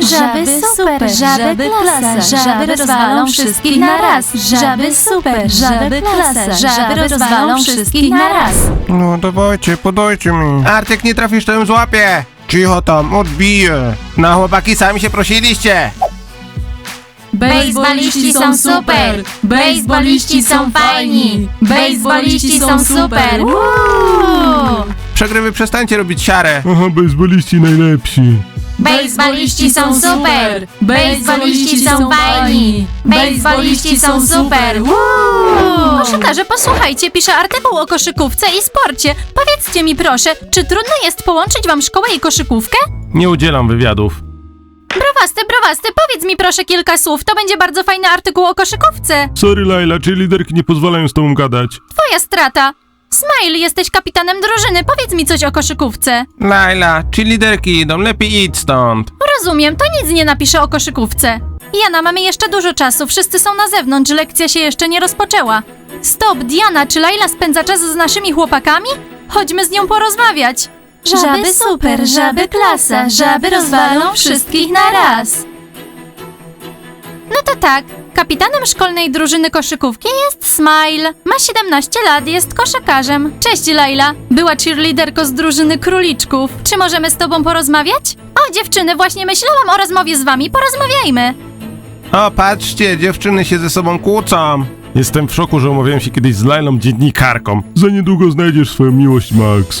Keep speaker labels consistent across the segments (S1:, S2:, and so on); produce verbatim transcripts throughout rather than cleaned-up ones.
S1: Żaby super, żaby klasa, żaby rozwalą wszystkich na raz. Żaby super, żaby klasa, żaby rozwalą wszystkich na raz.
S2: No dawajcie, podajcie mi. Artek, nie trafisz, to ją złapię. Cicho tam, odbiję. No chłopaki, sami się prosiliście.
S1: Bejsboliści są super! Bejsboliści są fajni! Bejsboliści są super! Uuu!
S2: Przegrywy, przestańcie robić siarę.
S3: Aha, bejsboliści najlepsi.
S1: Bejsboliści są super! Bejsboliści są fajni! Bejsboliści są super! Uuu! Koszykarze, posłuchajcie, piszę artykuł o koszykówce i sporcie. Powiedzcie mi proszę, czy trudno jest połączyć wam szkołę i koszykówkę?
S3: Nie udzielam wywiadów.
S1: Browasty, browasty, powiedz mi proszę kilka słów, to będzie bardzo fajny artykuł o koszykówce.
S3: Sorry, Laila, czy liderki nie pozwalają z tobą gadać?
S1: Twoja strata. Smile, jesteś kapitanem drużyny, powiedz mi coś o koszykówce.
S2: Laila, czy liderki idą, lepiej idź stąd.
S1: Rozumiem, to nic nie napiszę o koszykówce. Jana, mamy jeszcze dużo czasu, wszyscy są na zewnątrz, lekcja się jeszcze nie rozpoczęła. Stop, Diana, czy Laila spędza czas z naszymi chłopakami? Chodźmy z nią porozmawiać. Żaby super, żaby klasa, żaby rozwalą wszystkich na raz. No to tak, kapitanem szkolnej drużyny koszykówki jest Smile. Ma siedemnaście lat, jest koszykarzem. Cześć Laila, była cheerleaderko z drużyny króliczków. Czy możemy z tobą porozmawiać? O dziewczyny, właśnie myślałam o rozmowie z wami, porozmawiajmy.
S2: O, patrzcie, dziewczyny się ze sobą kłócą.
S3: Jestem w szoku, że umawiałem się kiedyś z Lailą dziennikarką. Za niedługo znajdziesz swoją miłość, Max.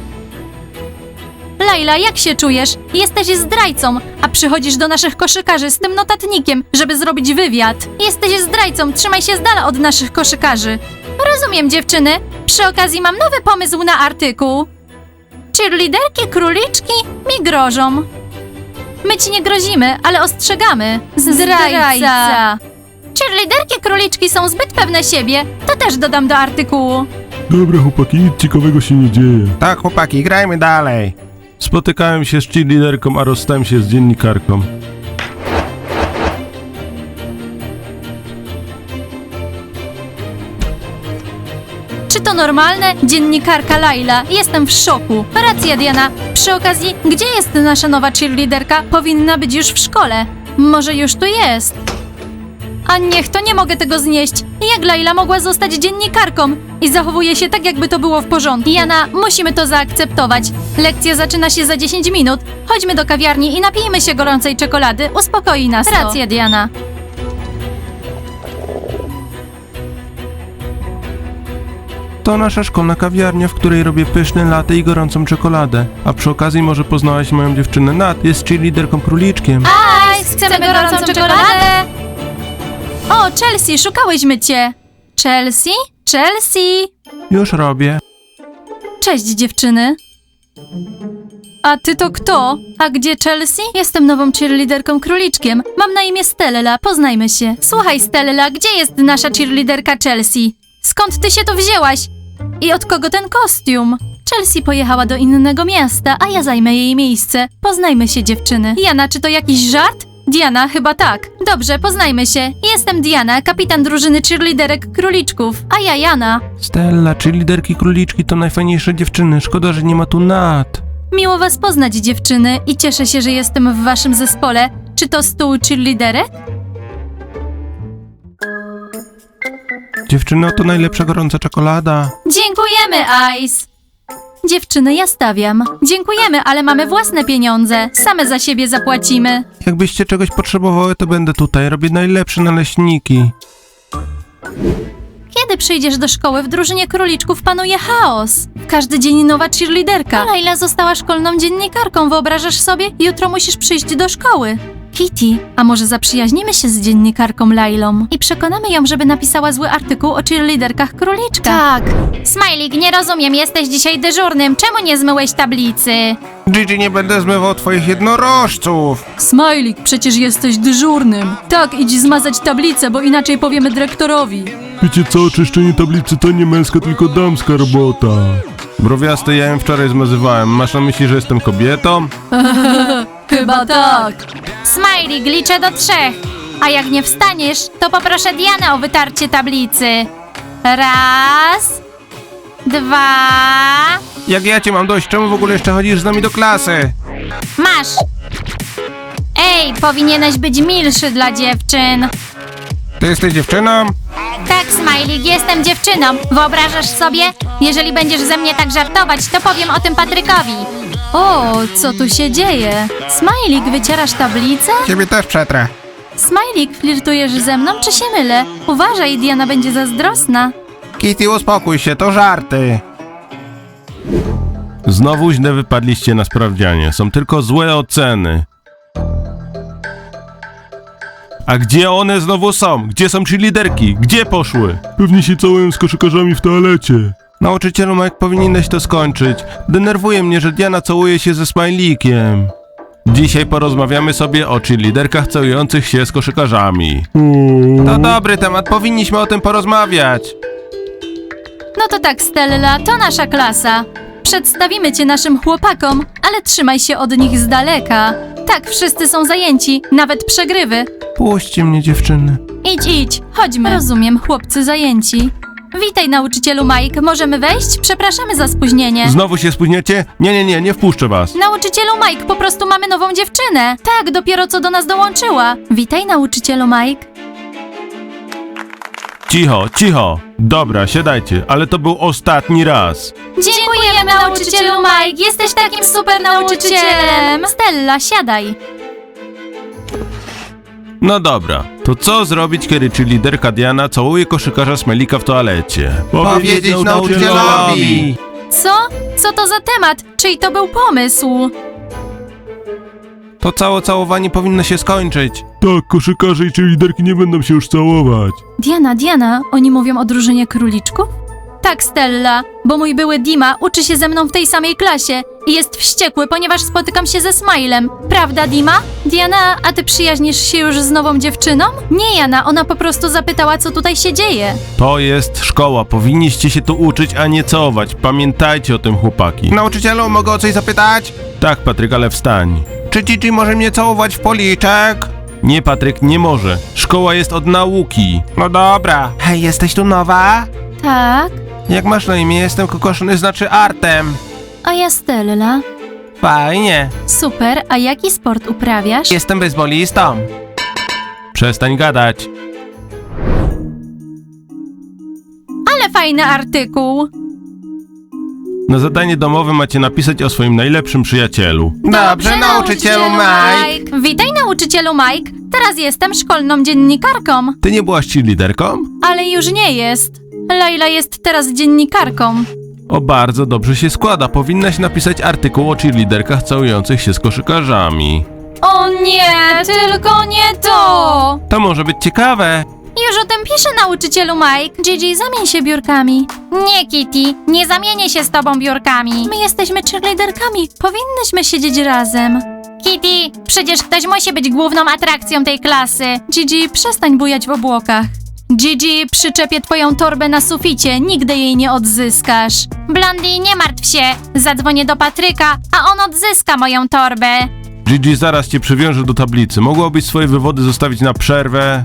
S1: Laila, jak się czujesz? Jesteś zdrajcą, a przychodzisz do naszych koszykarzy z tym notatnikiem, żeby zrobić wywiad. Jesteś zdrajcą, trzymaj się z dala od naszych koszykarzy. Rozumiem, dziewczyny. Przy okazji mam nowy pomysł na artykuł. Cheerleaderki króliczki mi grożą. My ci nie grozimy, ale ostrzegamy. Zdrajca. Cheerleaderki króliczki są zbyt pewne siebie. To też dodam do artykułu.
S3: Dobra, chłopaki, nic ciekawego się nie dzieje.
S2: Tak, chłopaki, grajmy dalej.
S3: Spotykałem się z cheerleaderką, a rozstałem się z dziennikarką.
S1: Czy to normalne? Dziennikarka Laila. Jestem w szoku. Racja, Diana. Przy okazji, gdzie jest nasza nowa cheerleaderka? Powinna być już w szkole. Może już tu jest. A niech to, nie mogę tego znieść. Jak Laila mogła zostać dziennikarką? I zachowuje się tak, jakby to było w porządku. Jana, musimy to zaakceptować. Lekcja zaczyna się za dziesięć minut. Chodźmy do kawiarni i napijmy się gorącej czekolady. Uspokoi nas to. Racja, Diana.
S2: To nasza szkolna kawiarnia, w której robię pyszne latte i gorącą czekoladę. A przy okazji może poznałaś moją dziewczynę Nat, jest cheerleaderką króliczkiem.
S1: Ice, chcemy gorącą czekoladę! O, Chelsea, szukałyśmy cię. Chelsea? Chelsea!
S2: Już robię.
S1: Cześć, dziewczyny. A ty to kto? A gdzie Chelsea? Jestem nową cheerleaderką króliczkiem. Mam na imię Stella, poznajmy się. Słuchaj, Stella, gdzie jest nasza cheerleaderka Chelsea? Skąd ty się tu wzięłaś? I od kogo ten kostium? Chelsea pojechała do innego miasta, a ja zajmę jej miejsce. Poznajmy się, dziewczyny. Jana, czy to jakiś żart? Diana, chyba tak. Dobrze, poznajmy się. Jestem Diana, kapitan drużyny cheerleaderek króliczków, a ja Jana.
S2: Stella, cheerleaderki króliczki to najfajniejsze dziewczyny, szkoda, że nie ma tu Nat.
S1: Miło was poznać, dziewczyny, i cieszę się, że jestem w waszym zespole. Czy to stół cheerleaderek?
S2: Dziewczyno, to najlepsza gorąca czekolada.
S1: Dziękujemy, Ice! Dziewczyny, ja stawiam. Dziękujemy, ale mamy własne pieniądze. Same za siebie zapłacimy.
S2: Jakbyście czegoś potrzebowały, to będę tutaj. Robię najlepsze naleśniki.
S1: Kiedy przyjdziesz do szkoły, w drużynie króliczków panuje chaos. Każdy dzień nowa cheerleaderka. Laila została szkolną dziennikarką, wyobrażasz sobie? Jutro musisz przyjść do szkoły. Kitty, a może zaprzyjaźnimy się z dziennikarką Lailą i przekonamy ją, żeby napisała zły artykuł o cheerleaderkach króliczka? Tak. Smajlik, nie rozumiem, jesteś dzisiaj dyżurnym. Czemu nie zmyłeś tablicy?
S2: Gigi, nie będę zmywał twoich jednorożców.
S1: Smajlik, przecież jesteś dyżurnym. Tak, idź zmazać tablicę, bo inaczej powiemy dyrektorowi.
S3: Wiecie co, czyszczenie tablicy to nie męska, tylko damska robota.
S2: Browiasty, ja ją wczoraj zmazywałem. Masz na myśli, że jestem kobietą?
S1: Chyba tak. Smajlik, liczę do trzech. A jak nie wstaniesz, to poproszę Dianę o wytarcie tablicy. Raz, dwa...
S2: Jak ja cię mam dość, czemu w ogóle jeszcze chodzisz z nami do klasy?
S1: Masz! Ej, powinieneś być milszy dla dziewczyn.
S2: Ty jesteś dziewczyną?
S1: Tak, Smajlik, jestem dziewczyną. Wyobrażasz sobie? Jeżeli będziesz ze mnie tak żartować, to powiem o tym Patrykowi. O, co tu się dzieje? Smajlik, wycierasz tablicę?
S2: Ciebie też przetrę.
S1: Smajlik, flirtujesz ze mną, czy się mylę? Uważaj, Diana będzie zazdrosna.
S2: Kitty, uspokój się, to żarty.
S3: Znowu źle wypadliście na sprawdzianie. Są tylko złe oceny. A gdzie one znowu są? Gdzie są cheerleaderki? Gdzie poszły? Pewnie się całują z koszykarzami w toalecie.
S2: Nauczycielu Mike, powinieneś to skończyć. Denerwuje mnie, że Diana całuje się ze Smajlikiem.
S3: Dzisiaj porozmawiamy sobie o cheerleaderkach całujących się z koszykarzami.
S2: To dobry temat, powinniśmy o tym porozmawiać.
S1: No to tak, Stella, to nasza klasa. Przedstawimy cię naszym chłopakom, ale trzymaj się od nich z daleka. Tak, wszyscy są zajęci, nawet przegrywy.
S2: Puśćcie mnie, dziewczyny.
S1: Idź, idź, chodźmy. Rozumiem, chłopcy zajęci. Witaj, nauczycielu Mike, możemy wejść? Przepraszamy za spóźnienie.
S3: Znowu się spóźniacie? Nie, nie, nie, nie wpuszczę was.
S1: Nauczycielu Mike, po prostu mamy nową dziewczynę. Tak, dopiero co do nas dołączyła. Witaj, nauczycielu Mike.
S3: Cicho, cicho. Dobra, siadajcie, ale to był ostatni raz.
S1: Dziękujemy, nauczycielu Mike, jesteś takim super nauczycielem. Stella, siadaj.
S3: No dobra, to co zrobić, kiedy cheerleaderka Diana całuje koszykarza Smajlika w toalecie?
S2: Powiedzieć nauczycielowi.
S1: Co? Co to za temat? Czyj to był pomysł?
S2: To całe całowanie powinno się skończyć.
S3: Tak, koszykarze i cheerleaderki nie będą się już całować.
S1: Diana, Diana, oni mówią o drużynie króliczków? Tak, Stella, bo mój były Dima uczy się ze mną w tej samej klasie i jest wściekły, ponieważ spotykam się ze Smilem. Prawda, Dima? Diana, a ty przyjaźnisz się już z nową dziewczyną? Nie, Jana, ona po prostu zapytała, co tutaj się dzieje.
S3: To jest szkoła, powinniście się tu uczyć, a nie całować. Pamiętajcie o tym, chłopaki.
S2: Nauczycielu, mogę o coś zapytać?
S3: Tak, Patryk, ale wstań.
S2: Czy Gigi może mnie całować w policzek?
S3: Nie, Patryk, nie może. Szkoła jest od nauki.
S2: No dobra. Hej, jesteś tu nowa?
S1: Tak,
S2: Jak masz na imię? Jestem kokoszony, znaczy Artem.
S1: a ja Stella.
S2: Fajnie.
S1: Super, a jaki sport uprawiasz?
S2: Jestem bejsbolistą.
S3: Przestań gadać.
S1: Ale fajny artykuł.
S3: Na zadanie domowe macie napisać o swoim najlepszym przyjacielu.
S2: Dobrze, nauczycielu Mike.
S1: Witaj, nauczycielu Mike. Teraz jestem szkolną dziennikarką.
S3: Ty nie byłaś cheerleaderką?
S1: Ale już nie jest. Laila jest teraz dziennikarką.
S3: O, bardzo dobrze się składa. Powinnaś napisać artykuł o cheerleaderkach całujących się z koszykarzami.
S1: O nie, tylko nie to!
S2: To może być ciekawe.
S1: Już o tym pisze, nauczycielu Mike. Gigi, zamień się biurkami. Nie, Kitty, nie zamienię się z tobą biurkami. My jesteśmy cheerleaderkami, powinnyśmy siedzieć razem. Kitty, przecież ktoś musi być główną atrakcją tej klasy. Gigi, przestań bujać w obłokach. Gigi, przyczepię twoją torbę na suficie, nigdy jej nie odzyskasz. Blondie, nie martw się, zadzwonię do Patryka, a on odzyska moją torbę.
S3: Gigi, zaraz cię przywiążę do tablicy. Mogłabyś swoje wywody zostawić na przerwę?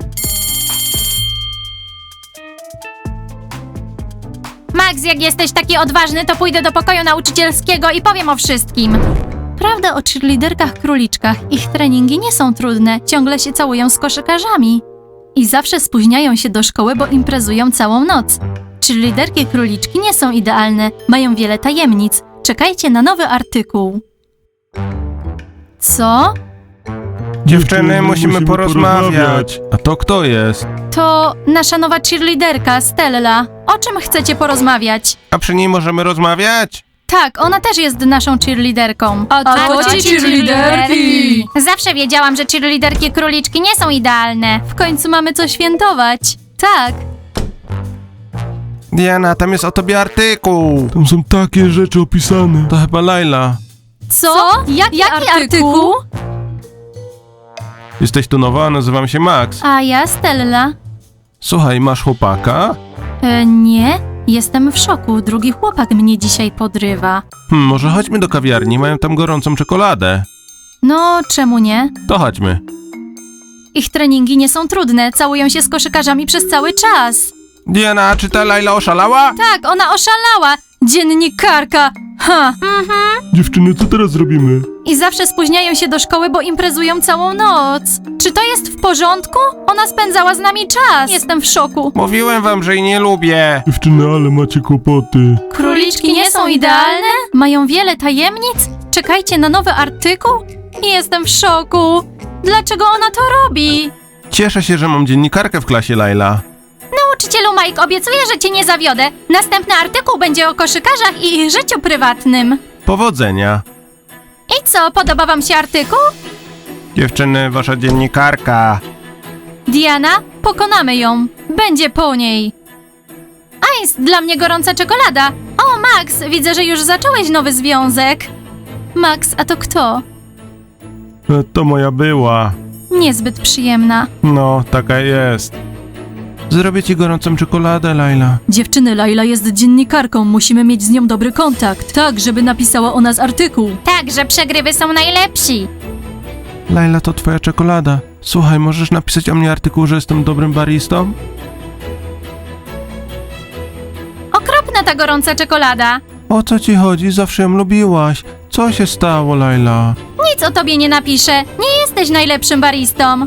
S1: Max, jak jesteś taki odważny, to pójdę do pokoju nauczycielskiego i powiem o wszystkim. Prawda o cheerleaderkach króliczkach. Ich treningi nie są trudne, ciągle się całują z koszykarzami. I zawsze spóźniają się do szkoły, bo imprezują całą noc. Cheerleaderki króliczki nie są idealne, mają wiele tajemnic. Czekajcie na nowy artykuł. Co?
S2: Dziewczyny, musimy porozmawiać.
S3: A to kto jest?
S1: To nasza nowa cheerleaderka, Stella. O czym chcecie porozmawiać?
S2: A przy niej możemy rozmawiać?
S1: Tak, ona też jest naszą cheerleaderką. A
S4: to ci cheerleaderki!
S1: Zawsze wiedziałam, że cheerleaderki króliczki nie są idealne. W końcu mamy co świętować. Tak.
S2: Diana, tam jest o tobie artykuł.
S3: Tam są takie rzeczy opisane. To chyba Laila.
S1: Co? Jaki,
S4: Jaki
S1: artykuł?
S3: Jesteś tu nowa? Nazywam się Max.
S1: A ja Stella.
S3: Słuchaj, masz chłopaka?
S1: E, nie, jestem w szoku. Drugi chłopak mnie dzisiaj podrywa.
S3: Hmm, może chodźmy do kawiarni, mają tam gorącą czekoladę.
S1: No, czemu nie?
S3: To chodźmy.
S1: Ich treningi nie są trudne, całują się z koszykarzami przez cały czas.
S2: Diana, czy ta Laila oszalała?
S1: Tak, ona oszalała. Dziennikarka! Ha! Mhm.
S3: Dziewczyny, co teraz zrobimy?
S1: I zawsze spóźniają się do szkoły, bo imprezują całą noc. Czy to jest w porządku? Ona spędzała z nami czas. Jestem w szoku.
S2: Mówiłem wam, że jej nie lubię.
S3: Dziewczyny, ale macie kłopoty.
S1: Króliczki nie są idealne? Mają wiele tajemnic? Czekajcie na nowy artykuł? Jestem w szoku. Dlaczego ona to robi?
S2: Cieszę się, że mam dziennikarkę w klasie, Laila.
S1: Nauczycielu Mike, obiecuję, że cię nie zawiodę. Następny artykuł będzie o koszykarzach i ich życiu prywatnym.
S2: Powodzenia.
S1: I co, podoba wam się artykuł?
S2: Dziewczyny, wasza dziennikarka.
S1: Diana, pokonamy ją. Będzie po niej. Ice, dla mnie gorąca czekolada. O, Max, widzę, że już zacząłeś nowy związek. Max, a to kto?
S2: E, To moja była.
S1: Niezbyt przyjemna.
S2: No, taka jest. Zrobię ci gorącą czekoladę, Laila.
S1: Dziewczyny, Laila jest dziennikarką, musimy mieć z nią dobry kontakt. Tak, żeby napisała o nas artykuł. Tak, że przegrywy są najlepsi.
S2: Laila, to twoja czekolada. Słuchaj, możesz napisać o mnie artykuł, że jestem dobrym baristą?
S1: Okropna ta gorąca czekolada.
S2: O co ci chodzi? Zawsze ją lubiłaś. Co się stało, Laila?
S1: Nic o tobie nie napiszę. Nie jesteś najlepszym baristą.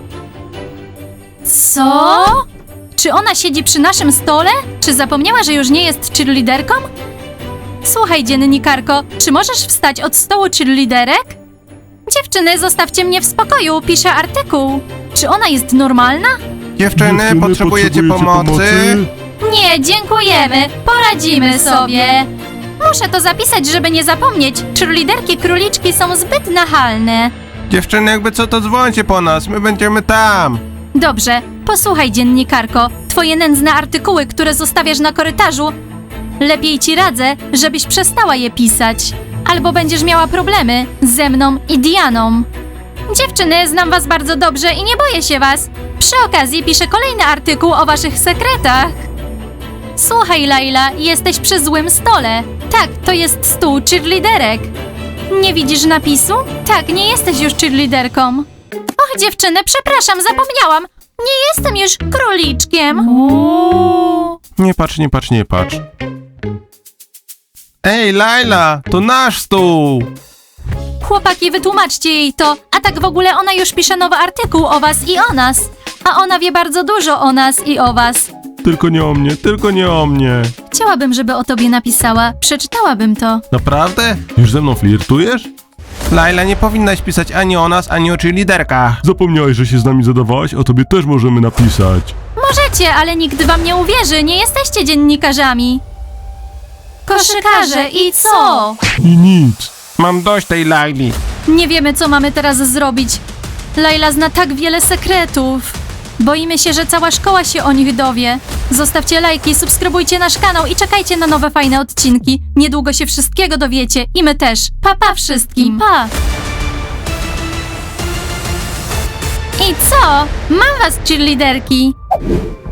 S1: Co? Czy ona siedzi przy naszym stole? Czy zapomniała, że już nie jest cheerleaderką? Słuchaj, dziennikarko, czy możesz wstać od stołu cheerleaderek? Dziewczyny, zostawcie mnie w spokoju, piszę artykuł. Czy ona jest normalna?
S2: Dziewczyny, potrzebujecie pomocy?
S1: Nie, dziękujemy. Poradzimy sobie. Muszę to zapisać, żeby nie zapomnieć. Cheerleaderki króliczki są zbyt nachalne.
S2: Dziewczyny, jakby co, to dzwońcie po nas, my będziemy tam.
S1: Dobrze, posłuchaj, dziennikarko. Twoje nędzne artykuły, które zostawiasz na korytarzu, lepiej ci radzę, żebyś przestała je pisać. Albo będziesz miała problemy ze mną i Dianą. Dziewczyny, znam was bardzo dobrze i nie boję się was. Przy okazji piszę kolejny artykuł o waszych sekretach. Słuchaj, Laila, jesteś przy złym stole. Tak, to jest stół cheerleaderek. Nie widzisz napisu? Tak, nie jesteś już cheerleaderką. Och, dziewczyny, przepraszam, zapomniałam. Nie jestem już króliczkiem. Uuu.
S2: Nie patrz, nie patrz, nie patrz. Ej, Laila, to nasz stół!
S1: Chłopaki, wytłumaczcie jej to. A tak w ogóle ona już pisze nowy artykuł o was i o nas. A ona wie bardzo dużo o nas i o was.
S3: Tylko nie o mnie, tylko nie o mnie.
S1: Chciałabym, żeby o tobie napisała. Przeczytałabym to.
S2: Naprawdę?
S3: Już ze mną flirtujesz?
S2: Laila, nie powinnaś pisać ani o nas, ani o cheerleaderkach.
S3: Zapomniałeś, że się z nami zadawałaś? O tobie też możemy napisać.
S1: Możecie, ale nikt wam nie uwierzy. Nie jesteście dziennikarzami. Koszykarze i co?
S3: I nic.
S2: Mam dość tej Laili.
S1: Nie wiemy, co mamy teraz zrobić. Laila zna tak wiele sekretów. Boimy się, że cała szkoła się o nich dowie. Zostawcie lajki, subskrybujcie nasz kanał i czekajcie na nowe fajne odcinki. Niedługo się wszystkiego dowiecie i my też. Pa, pa wszystkim. Pa! I co? Mam was, cheerleaderki.